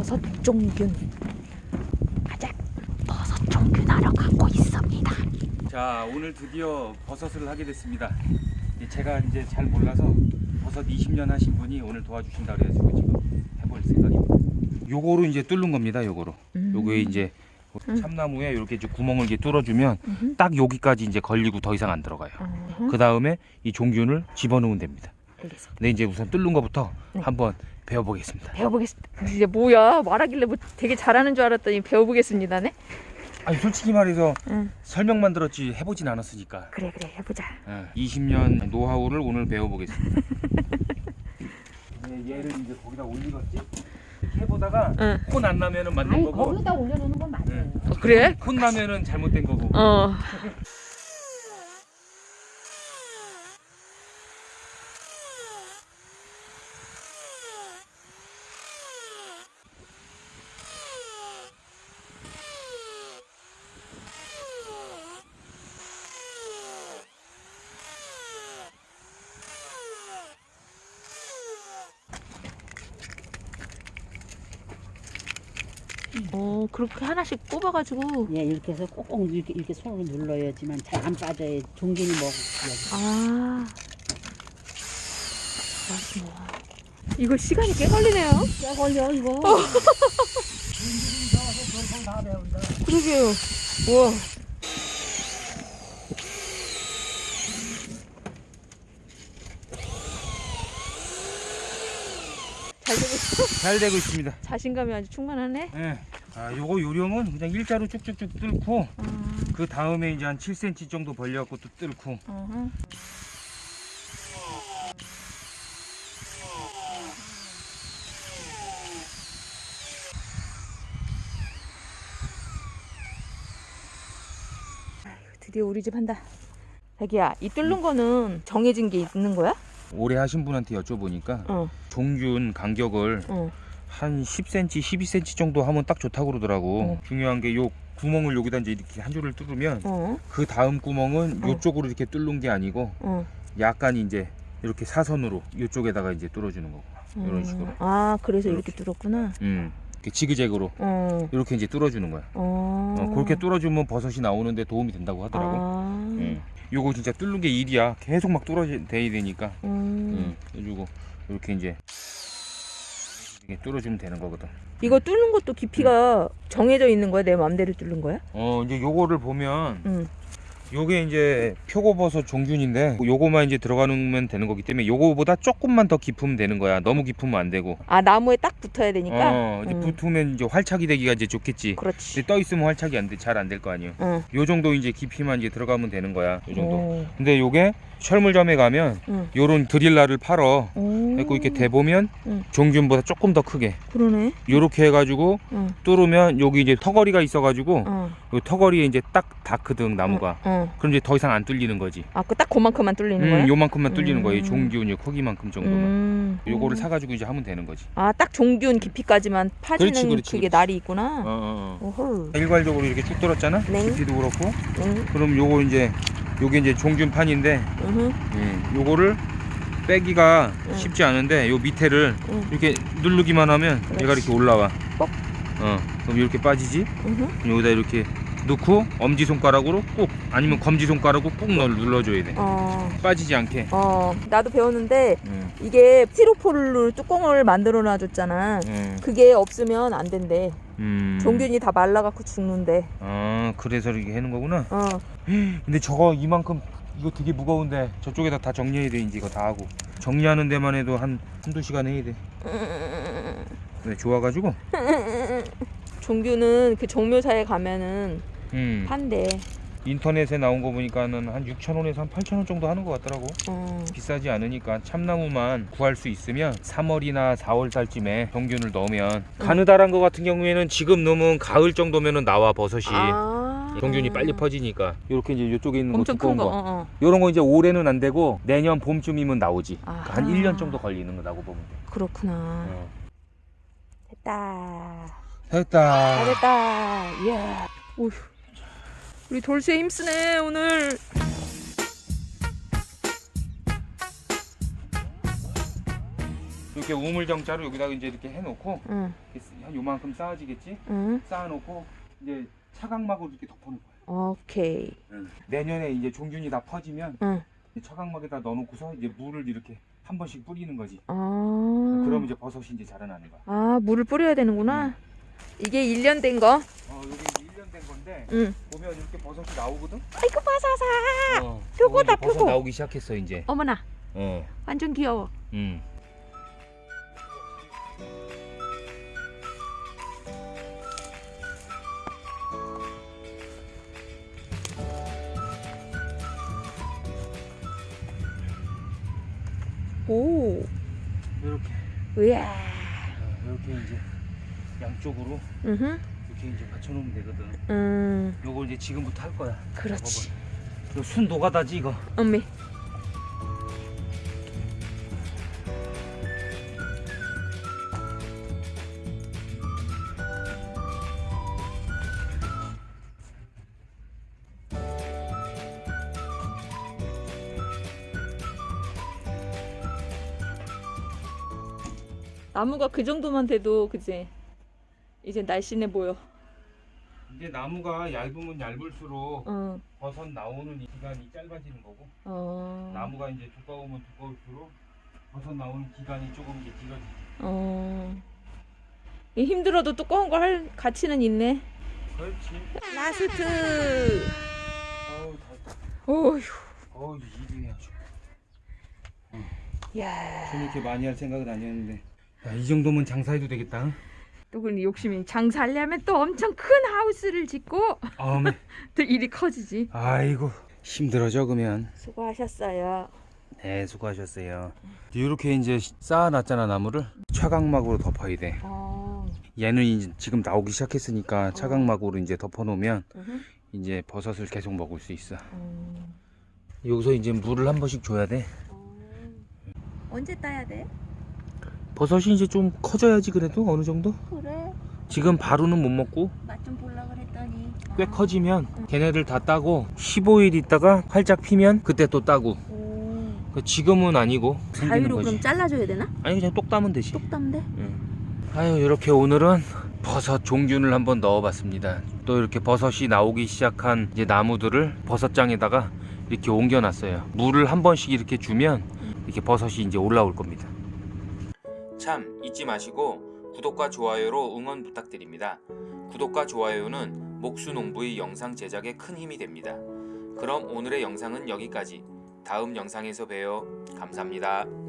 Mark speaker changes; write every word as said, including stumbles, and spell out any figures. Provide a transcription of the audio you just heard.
Speaker 1: 버섯 종균. 가자. 버섯 종균하러 가고 있습니다.
Speaker 2: 자, 오늘 드디어 버섯을 하게 됐습니다. 제가 이제 잘 몰라서 버섯 이십 년 하신 분이 오늘 도와주신다 그래가지고 지금 해볼 생각입니다. 요거로 이제 뚫는 겁니다. 요거로.
Speaker 1: 음.
Speaker 2: 요거에 이제
Speaker 1: 음.
Speaker 2: 참나무에 이렇게 이제 구멍을 이렇게 뚫어주면
Speaker 1: 음흠.
Speaker 2: 딱 여기까지 이제 걸리고 더 이상 안 들어가요.
Speaker 1: 음흠.
Speaker 2: 그 다음에 이 종균을 집어넣으면 됩니다.
Speaker 1: 알겠습니다.
Speaker 2: 근데 이제 우선 뚫는 것부터
Speaker 1: 네.
Speaker 2: 한번 배워보겠습니다.
Speaker 1: 배워보겠습니다. 이제 뭐야 말하길래 뭐 되게 잘하는 줄 알았더니 배워보겠습니다네.
Speaker 2: 아니 솔직히 말해서
Speaker 1: 응.
Speaker 2: 설명만 들었지 해보진 않았으니까.
Speaker 1: 그래 그래 해보자.
Speaker 2: 예, 이십 년 노하우를 오늘 배워보겠습니다. 네, 얘를 이제 거기다 올리겠지? 이렇게 해보다가
Speaker 1: 응.
Speaker 2: 혼 안 나면은 맞는
Speaker 3: 아니
Speaker 2: 거고,
Speaker 3: 거기다 올려놓는 건 맞아요.
Speaker 2: 응.
Speaker 1: 어, 그래?
Speaker 2: 혼 나면은 잘못된 거고.
Speaker 1: 어. 어 그렇게 하나씩 꼽아가지고.
Speaker 3: 예, 이렇게 해서 꼭꼭 이렇게, 이렇게 손으로 눌러야지만 잘 안 빠져요. 종균이 먹고.
Speaker 1: 아. 맛있네. 이거 시간이 꽤 걸리네요.
Speaker 3: 야 걸려 이거.
Speaker 1: 그러게요. 우와. 잘 되고 있어?
Speaker 2: 잘 되고 있습니다.
Speaker 1: 자신감이 아주 충만하네.
Speaker 2: 예. 아, 요거 요령은 그냥 일자로 쭉쭉쭉 뚫고
Speaker 1: 아,
Speaker 2: 그 다음에 이제 한 칠 센티미터 정도 벌려갖고 또 뚫고.
Speaker 1: 어허. 아이고, 드디어 우리 집 한다. 자기야, 이 뚫는 거는 정해진 게 있는 거야?
Speaker 2: 오래 하신 분한테 여쭤보니까
Speaker 1: 어,
Speaker 2: 종균 간격을
Speaker 1: 어.
Speaker 2: 한 십 센티미터, 십이 센티미터 정도 하면 딱 좋다고 그러더라고.
Speaker 1: 어.
Speaker 2: 중요한 게 요 구멍을 여기다 이제 이렇게 한 줄을 뚫으면
Speaker 1: 어,
Speaker 2: 그 다음 구멍은
Speaker 1: 어.
Speaker 2: 요쪽으로 이렇게 뚫는 게 아니고
Speaker 1: 어.
Speaker 2: 약간 이제 이렇게 사선으로 요쪽에다가 이제 뚫어주는 거고. 이런
Speaker 1: 음.
Speaker 2: 식으로.
Speaker 1: 아, 그래서 이렇게
Speaker 2: 이렇게.
Speaker 1: 뚫었구나.
Speaker 2: 음. 이렇게 지그재그로
Speaker 1: 어,
Speaker 2: 이렇게 이제 뚫어주는 거야.
Speaker 1: 어.
Speaker 2: 어, 그렇게 뚫어주면 버섯이 나오는데 도움이 된다고 하더라고.
Speaker 1: 아,
Speaker 2: 음. 요거 진짜 뚫는 게 일이야. 계속 막 뚫어져야 되니까.
Speaker 1: 음.
Speaker 2: 음. 해주고 이렇게 이제 이렇게 뚫어주면 되는 거거든.
Speaker 1: 이거 뚫는 것도 깊이가 정해져 있는 거야? 내 맘대로 뚫는 거야?
Speaker 2: 어 이제 요거를 보면
Speaker 1: 응.
Speaker 2: 요게 이제 표고버섯 종균인데 요거만 이제 들어가면 되는 거기 때문에 요거보다 조금만 더 깊으면 되는 거야. 너무 깊으면 안 되고.
Speaker 1: 아, 나무에 딱 붙어야 되니까?
Speaker 2: 어 이제
Speaker 1: 응.
Speaker 2: 붙으면 이제 활착이 되기가 이제 좋겠지.
Speaker 1: 그렇지.
Speaker 2: 근데 떠 있으면 활착이 안 돼, 잘 안 될 거 아니에요.
Speaker 1: 응.
Speaker 2: 요 정도 이제 깊이만 이제 들어가면 되는 거야. 요 정도.
Speaker 1: 오.
Speaker 2: 근데 요게 철물점에 가면
Speaker 1: 응.
Speaker 2: 요런 드릴라를 팔어.
Speaker 1: 오.
Speaker 2: 그래서 이렇게 대보면
Speaker 1: 응.
Speaker 2: 종균보다 조금 더 크게
Speaker 1: 그러네.
Speaker 2: 요렇게 해가지고
Speaker 1: 응.
Speaker 2: 뚫으면 여기 이제 턱걸이가 있어가지고
Speaker 1: 어.
Speaker 2: 요 턱걸이에 이제 딱 닿거든 나무가.
Speaker 1: 어.
Speaker 2: 그럼 이제 더 이상 안 뚫리는 거지.
Speaker 1: 아, 그 딱 그만큼만 뚫리는
Speaker 2: 음,
Speaker 1: 거야?
Speaker 2: 요만큼만 뚫리는
Speaker 1: 음.
Speaker 2: 거예요. 종균 요 크기만큼 정도만.
Speaker 1: 음.
Speaker 2: 요거를
Speaker 1: 음.
Speaker 2: 사가지고 이제 하면 되는 거지.
Speaker 1: 아, 딱 종균 깊이까지만 파지는
Speaker 2: 그렇지, 그렇지,
Speaker 1: 그게
Speaker 2: 그렇지.
Speaker 1: 날이 있구나.
Speaker 2: 어, 어, 어.
Speaker 1: 오헐.
Speaker 2: 일괄적으로 이렇게 쭉 뚫었잖아.
Speaker 1: 네.
Speaker 2: 깊이도 그렇고.
Speaker 1: 응.
Speaker 2: 그럼 요거 이제 요게 이제 종균판인데
Speaker 1: 으흠.
Speaker 2: 음, 요거를 빼기가
Speaker 1: 응.
Speaker 2: 쉽지 않은데 요 밑에를
Speaker 1: 응.
Speaker 2: 이렇게 누르기만 하면
Speaker 1: 그렇지.
Speaker 2: 얘가 이렇게 올라와.
Speaker 1: 뻑.
Speaker 2: 어, 그럼 이렇게 빠지지.
Speaker 1: 으흠.
Speaker 2: 그럼 여기다 이렇게 넣고 엄지 손가락으로 꾹 아니면 검지 손가락으로 꾹 넣- 눌러줘야 돼.
Speaker 1: 어.
Speaker 2: 빠지지 않게.
Speaker 1: 어. 나도 배웠는데
Speaker 2: 음,
Speaker 1: 이게 스티로폴로 뚜껑을 만들어 놔줬잖아.
Speaker 2: 음,
Speaker 1: 그게 없으면 안 된대.
Speaker 2: 음.
Speaker 1: 종균이 다 말라갖고 죽는데.
Speaker 2: 아, 그래서 이렇게 하는 거구나.
Speaker 1: 어.
Speaker 2: 근데 저거 이만큼 이거 되게 무거운데 저쪽에다 다 정리해야 돼. 이제 이거 다 하고 정리하는 데만 해도 한 한두 시간 해야 돼. 네, 좋아가지고.
Speaker 1: 종균은 그 종묘사에 가면은
Speaker 2: 음.
Speaker 1: 판대.
Speaker 2: 인터넷에 나온 거 보니까는 한 육천 원에서 한 팔천 원 정도 하는 것 같더라고.
Speaker 1: 어.
Speaker 2: 비싸지 않으니까 참나무만 구할 수 있으면 삼월이나 사월 달쯤에 종균을 넣으면 가느다란 거 같은 경우에는 지금 넣으면 가을 정도면은 나와 버섯이.
Speaker 1: 아.
Speaker 2: 종균이 빨리 퍼지니까 이렇게 이제 이쪽에 있는 거
Speaker 1: 엄청
Speaker 2: 두꺼운
Speaker 1: 큰 거.
Speaker 2: 거,
Speaker 1: 어, 어.
Speaker 2: 요런 거 이제 올해는 안 되고 내년 봄쯤이면 나오지. 그러니까 한
Speaker 1: 아하.
Speaker 2: 일 년 정도 걸리는 거라고 보면 돼.
Speaker 1: 그렇구나.
Speaker 2: 어.
Speaker 1: 됐다.
Speaker 2: 됐다.
Speaker 1: 잘했다. 이야. 오휴. 우리 돌쇠 힘쓰네 오늘.
Speaker 2: 이렇게 우물정자로 여기다가 이제 이렇게 해놓고
Speaker 1: 응.
Speaker 2: 이렇게 한 요만큼 쌓아지겠지?
Speaker 1: 응.
Speaker 2: 쌓아놓고 이제 차각막으로 이렇게 덮어놓을 거야.
Speaker 1: 오케이.
Speaker 2: 응. 내년에 이제 종균이 다 퍼지면
Speaker 1: 응.
Speaker 2: 이 차각막에다 넣어놓고서 이제 물을 이렇게 한 번씩 뿌리는 거지.
Speaker 1: 아.
Speaker 2: 그럼 이제 버섯이 이제 자라나는 거야.
Speaker 1: 아, 물을 뿌려야 되는구나. 이게 일 년 된 거.
Speaker 2: 어, 여기 이제 일 년 된 건데
Speaker 1: 응.
Speaker 2: 보면 이렇게 버섯이 나오거든.
Speaker 1: 아이고 버섯아.
Speaker 2: 어,
Speaker 1: 표고다,
Speaker 2: 이제 버섯
Speaker 1: 표고.
Speaker 2: 나오기 시작했어 이제.
Speaker 1: 어머나.
Speaker 2: 어.
Speaker 1: 완전 귀여워.
Speaker 2: 음.
Speaker 1: 오.
Speaker 2: 이렇게
Speaker 1: 으야.
Speaker 2: 어, 이렇게 이제 양쪽으로
Speaker 1: 응.
Speaker 2: 이렇게 이제 받쳐놓으면 되거든.
Speaker 1: 음.
Speaker 2: 요걸 이제 지금부터 할 거야.
Speaker 1: 그렇지.
Speaker 2: 이거 순 노가다지 이거.
Speaker 1: 엄미. 나무가 그 정도만 돼도 그지? 이제 날씬해 보여.
Speaker 2: 이제 나무가 얇으면 얇을수록
Speaker 1: 어.
Speaker 2: 버섯 나오는 이 기간이 짧아지는 거고
Speaker 1: 어.
Speaker 2: 나무가 이제 두꺼우면 두꺼울수록 버섯 나오는 기간이 조금 이제 길어지지.
Speaker 1: 어. 이 힘들어도 두꺼운 걸 할 가치는 있네.
Speaker 2: 그렇지.
Speaker 1: 라스트.
Speaker 2: 어우 다.
Speaker 1: 어휴.
Speaker 2: 어우 이중이 아주.
Speaker 1: 야.
Speaker 2: 좀 이렇게 많이 할 생각은 아니었는데. 야, 이 정도면 장사해도 되겠다. 응?
Speaker 1: 또 그런 욕심이 장사하려면 또 엄청 큰 하우스를 짓고
Speaker 2: 아메.
Speaker 1: 또 일이 커지지.
Speaker 2: 아이고 힘들어져 그러면.
Speaker 1: 수고하셨어요.
Speaker 2: 네 수고하셨어요. 이렇게 이제 쌓아놨잖아 나무를 차각막으로 덮어야 돼.
Speaker 1: 어.
Speaker 2: 얘는 이제 지금 나오기 시작했으니까 차각막으로 이제 덮어놓으면
Speaker 1: 으흠.
Speaker 2: 이제 버섯을 계속 먹을 수 있어.
Speaker 1: 음.
Speaker 2: 여기서 이제 물을 한 번씩 줘야 돼.
Speaker 1: 어. 언제 따야 돼?
Speaker 2: 버섯이 이제 좀 커져야지 그래도 어느 정도?
Speaker 1: 그래.
Speaker 2: 지금 바로는 못 먹고
Speaker 1: 맛 좀 보려 그랬더니.
Speaker 2: 꽤 커지면 걔네들 다 따고 십오 일 있다가 활짝 피면 그때 또 따고.
Speaker 1: 오.
Speaker 2: 그 지금은 아니고 생기는
Speaker 1: 자유로
Speaker 2: 거지.
Speaker 1: 그럼 잘라줘야 되나?
Speaker 2: 아니 그냥 똑 따면 되지.
Speaker 1: 똑 따면 돼?
Speaker 2: 아유 이렇게 오늘은 버섯 종균을 한번 넣어봤습니다. 또 이렇게 버섯이 나오기 시작한 이제 나무들을 버섯장에다가 이렇게 옮겨놨어요. 물을 한 번씩 이렇게 주면 이렇게 버섯이 이제 올라올 겁니다. 참 잊지 마시고 구독과 좋아요로 응원 부탁드립니다. 구독과 좋아요는 목수농부의 영상 제작에 큰 힘이 됩니다. 그럼 오늘의 영상은 여기까지. 다음 영상에서 봬요. 감사합니다.